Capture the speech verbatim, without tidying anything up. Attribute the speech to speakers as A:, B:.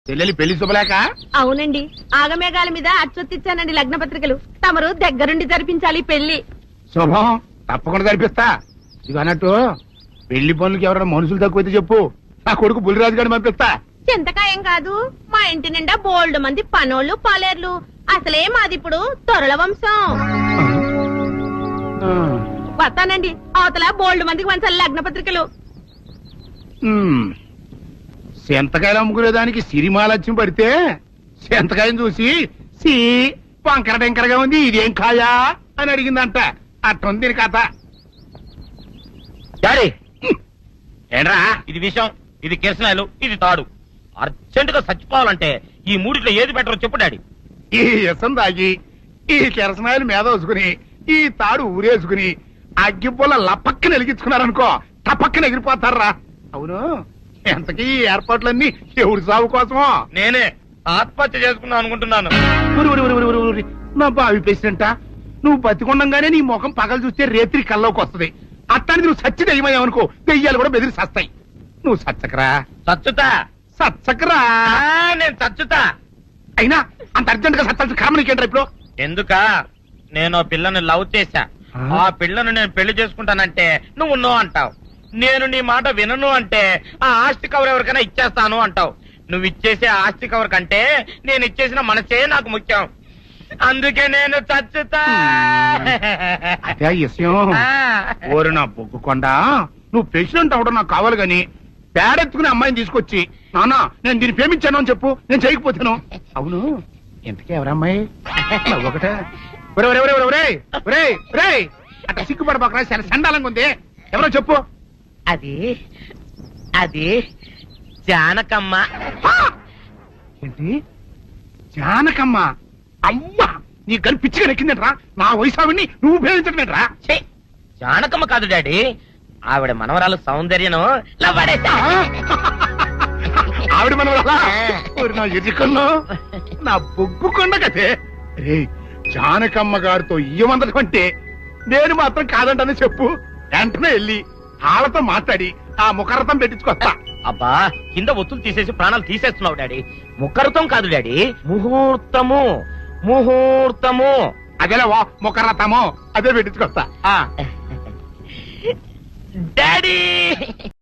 A: చెల్లెలి పెళ్లి శుభలేక.
B: అవునండి, ఆగమేఘాల మీద అచ్చొత్తిచ్చానండి లగ్న పత్రికలు. తమరు దగ్గరుండి జరిపించాలి పెళ్లి.
A: శుభం, తప్పకుండా జరిపిస్తా. ఇది అన్నట్టు పెళ్లి పనులకి ఎవరైనా మనుషులు తక్కువైతే చెప్పు, నా కొడుకు బుల్లిరాజు గారిని పంపిస్తా.
B: చింతకాయం కాదు, మా ఇంటి నిండా బోల్డ్ మంది పనోళ్ళు పాలేర్లు. అసలే మాది ఇప్పుడు తొరల వంశం.
A: ఆ,
B: వస్తానండి, అవతల బోల్డ్ మందికి వంచాలి లగ్న పత్రికలు.
A: ఉమ్. సెంతకాయలు అమ్ముకునేదానికి సిరిమాలత్యం పడితే సెంతకాయని చూసి సి వంకర టెంకరగా ఉంది, ఇదేం కాయా అని అడిగిందంట. అట్టుంది దీని కథ.
C: డాడీ,
A: ఏంట్రా?
C: ఇది విషం, ఇది కిరసనాయలు, ఇది తాడు. అర్జెంట్ గా చచ్చిపోవాలంటే ఈ మూడిట్లో ఏది బెటర్ చెప్పు డాడీ.
A: ఈ ఇసం తాగి ఈ కిరసనాయలు మీద వేసుకుని ఈ తాడు ఊరేసుకుని అగ్గిపుల్ల లపక్కన వెలిగించుకున్నారనుకో, టపక్కన ఎగిరిపోతారా. అవును, ఎంతకీ ఈ ఏర్పాట్లన్నీ ఎవరి సాగు కోసమో?
C: నేనే ఆత్మహత్య చేసుకున్నాను అనుకుంటున్నాను.
A: ఉరి, ఉరి, ఉరి, ఉరి, ఉరి, ఉరి. నా బావి పేసినంట నువ్వు బతికొండంగానే నీ ముఖం పగలు చూస్తే రేత్రి కల్లోకి వస్తుంది. అట్టానికి నువ్వు సచ్చి దెయ్యమయ్యావనుకో, దెయ్యాలు కూడా బెదిరి సస్తాయి. నువ్వు సచ్చకరా,
C: చచ్చుతా.
A: సచ్చకరా.
C: ఆ, నేను చచ్చుతా.
A: అయినా అంత అర్జెంట్ గా సత్తాల్సిన కారణం నీకేంట్రా ఇప్పుడు?
C: ఎందుక నేను ఆ పిల్లని లవ్ చేశా.
A: ఆ?
C: ఆ పిల్లను నేను పెళ్లి చేసుకుంటానంటే నువ్వు నో అంటావు. నేను నీ మాట వినను అంటే ఆ ఆస్తి కవర్ ఎవరికైనా ఇచ్చేస్తాను అంటావు. నువ్వు ఇచ్చేసే ఆస్తి కవర్ కంటే నేను ఇచ్చేసిన మనసే నాకు ముఖ్యం. అందుకే నేను చచ్చుతా.
A: అదే ఆ విషయం.
C: ఆ.
A: ఓరి నా బొగ్గుకొండ, నువ్వు ప్రెసిడెంట్ అవడం నాకు కావాలి గాని పేడెత్తుకునే అమ్మాయిని తీసుకొచ్చి నానా నేను దీన్ని ప్రేమించాను అని చెప్పు, నేను చేయకపోతాను. అవును, ఎంతకీ ఎవరమ్మాయి? ఒకటే అట్లా సిగ్గుపడబాకరా, చాలా సండాలంగా ఉంది. ఎవరో చెప్పు.
C: అది అది జానకమ్మ.
A: ఆ! ఏంటి జానకమ్మ? అమ్మా, నీ గని పిచ్చిగా నెక్కిందంట్రా. నా వయసావిని నువ్వు ప్రేమించటమేట్రా?
C: ఛీ, జానకమ్మ కాదు డాడీ, ఆవిడ మనవరాలు సౌందర్యను లవ్వాడేశా.
A: ఆవిడ మన నా ఎదుకల్లో నా బొగ్గుకొండ కదే. రే, జానకమ్మ గారితో ఇయ్యమందడం అంటే నేను మాత్రం కాదంటని చెప్పు. వెంటనే వెళ్ళి వాళ్ళతో మాట్లాడి ఆ ముఖరథం పెట్టించుకొస్తా.
C: అబ్బా, కింద ఒత్తులు తీసేసి ప్రాణాలు తీసేస్తున్నావు డాడీ. ముఖరుతం కాదు డాడీ, ముహూర్తము. ముహూర్తము
A: అదేలా ముఖరథము, అదే పెట్టించుకొస్తా.
C: డాడీ.